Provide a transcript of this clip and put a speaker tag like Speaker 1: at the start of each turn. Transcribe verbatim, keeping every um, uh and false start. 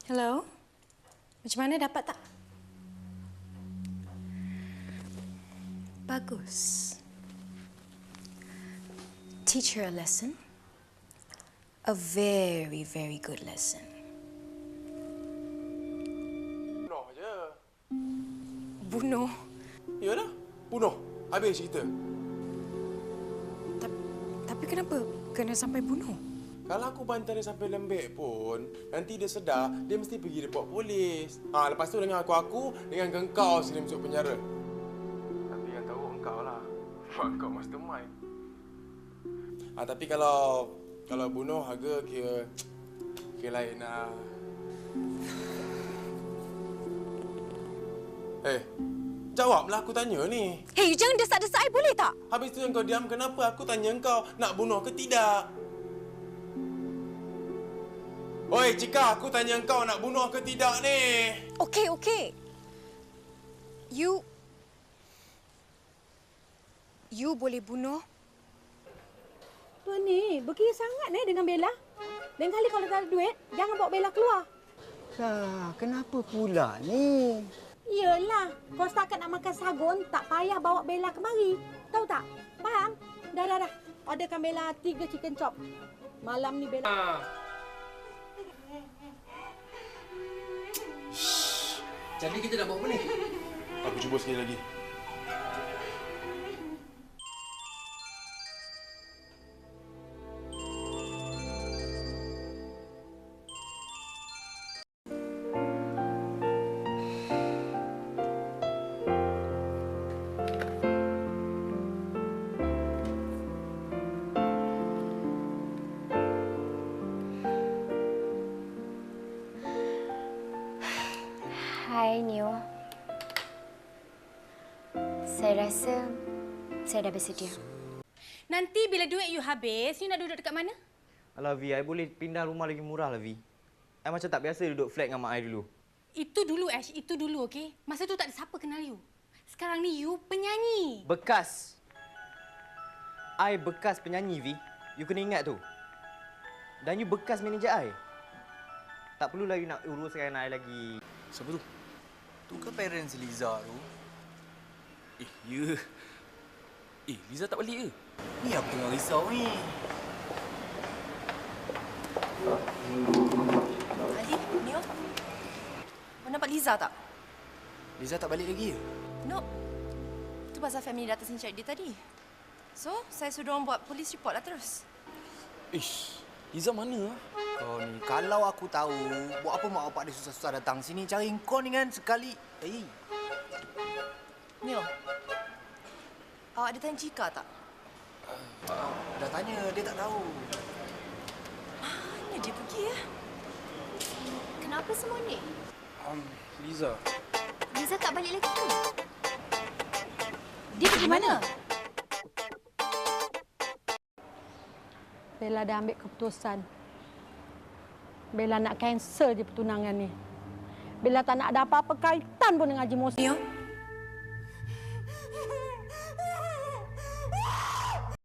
Speaker 1: Hello? Macam mana, dapat tak? Bagus. Teach her a lesson. A very, very good lesson.
Speaker 2: Bunuh je.
Speaker 1: Bunuh?
Speaker 2: Yalah, bunuh. Habis cerita.
Speaker 1: Ta- Tapi kenapa kena sampai bunuh?
Speaker 2: Kalau aku bantai dia sampai lembek pun, nanti dia sedar, dia mesti pergi report polis. Ha, lepas tu dengan aku-aku, dengan engkau sini masuk penjara. Tapi yang tahu engkau lah. Engkau mastermind. Ha, tapi kalau kalau bunuh harga kira kira lain lah. Eh, jawablah aku tanya ni.
Speaker 1: Hei, jangan desak-desak saya, boleh tak?
Speaker 2: Habis tu yang kau diam, kenapa aku tanya engkau nak bunuh ke tidak? Oi, Cika, aku tanya engkau nak bunuh ke tidak ni?
Speaker 1: Okey, okey. You... You boleh bunuh.
Speaker 3: Tuan ni, berkira sangat ni dengan Bella. Lain kali kalau tak ada duit, jangan bawa Bella keluar.
Speaker 4: Lah, kenapa pula ni?
Speaker 3: Yelah, kau setakat nak makan sagun, tak payah bawa Bella kemari. Tahu tak? Faham? Dah, dah, dah. Orderkan Bella tiga chicken chop. Malam ni Bella...
Speaker 2: Ah.
Speaker 4: Jadi kita nak buat apa ni?
Speaker 2: Aku cuba sekali lagi.
Speaker 5: Hai, Neo. Saya rasa saya dah bersedia.
Speaker 1: Nanti bila duit you habis, you nak duduk dekat mana?
Speaker 6: Alah, Vi, I boleh pindah rumah lagi murah lah, Vi. I macam tak biasa duduk flat dengan mak I dulu.
Speaker 1: Itu dulu, Ash. Itu dulu, okey? Masa tu tak ada siapa kenal you. Sekarang ni you penyanyi.
Speaker 6: Bekas. I bekas penyanyi, Vi. You kena ingat tu. Dan you bekas manager I. Tak perlulah you nak uruskan I lagi.
Speaker 4: Siapa tu? Tu ke parents Liza tu?
Speaker 7: Eh, ya. Eh, Liza tak balik ke?
Speaker 4: Ni aku tengah risau ni.
Speaker 8: Ali, Neo. Kau nampak Liza tak?
Speaker 4: Liza tak balik lagi ke?
Speaker 8: No. Itu pasal family datang sini cari dia tadi. So, saya suruh orang buat police report lah terus.
Speaker 7: Ish, Liza mana lah?
Speaker 4: Kau ni, kalau aku tahu, buat apa mak bapak dia susah-susah datang sini cari kau ni kan sekali. Eh.
Speaker 8: Neo. Awak ada tanya Cika tak?
Speaker 4: Uh, dah tanya, dia tak tahu.
Speaker 8: Mana dia pergi ya?
Speaker 5: Kenapa semua ni?
Speaker 7: Um, Liza.
Speaker 5: Liza tak balik lagi tu.
Speaker 3: Dia pergi mana? Bella dah ambil keputusan. Bella nak cancel je pertunangan ni. Bella tak nak ada apa-apa kaitan pun dengan Haji Mohsin.
Speaker 8: Neo,